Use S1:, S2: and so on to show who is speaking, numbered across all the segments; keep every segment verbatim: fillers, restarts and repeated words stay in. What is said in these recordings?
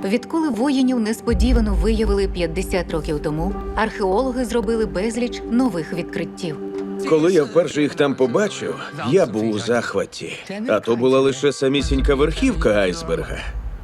S1: Відколи воїнів несподівано виявили п'ятдесят років тому, археологи зробили безліч нових відкриттів.
S2: Коли я вперше їх там побачив, я був у захваті. А то була лише самісінька верхівка айсберга.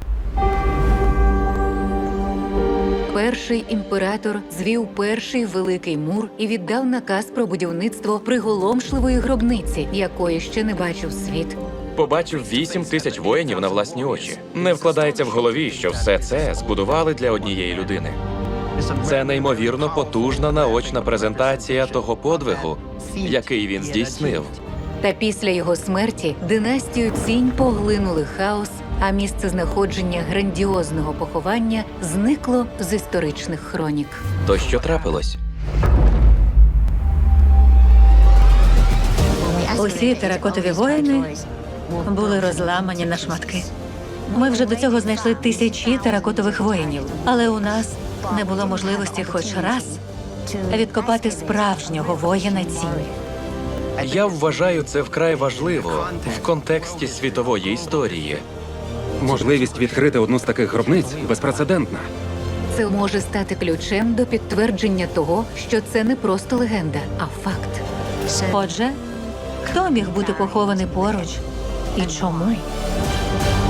S1: Перший імператор звів перший великий мур і віддав наказ про будівництво приголомшливої гробниці, якої ще не бачив світ.
S3: Побачив вісім тисяч воїнів на власні очі. Не вкладається в голові, що все це збудували для однієї людини. Це неймовірно потужна наочна презентація того подвигу, який він здійснив.
S1: Та після його смерті династію Цінь поглинули хаос, а місце знаходження грандіозного поховання зникло з історичних хронік.
S3: То що трапилось?
S4: Усі теракотові воїни були розламані на шматки. Ми вже до цього знайшли тисячі теракотових воїнів, але у нас не було можливості хоч раз відкопати справжнього воїна Цінь.
S3: Я вважаю це вкрай важливо в контексті світової історії.
S5: Можливість відкрити одну з таких гробниць безпрецедентна.
S1: Це може стати ключем до підтвердження того, що це не просто легенда, а факт.
S4: Отже, хто міг бути похований поруч і чому?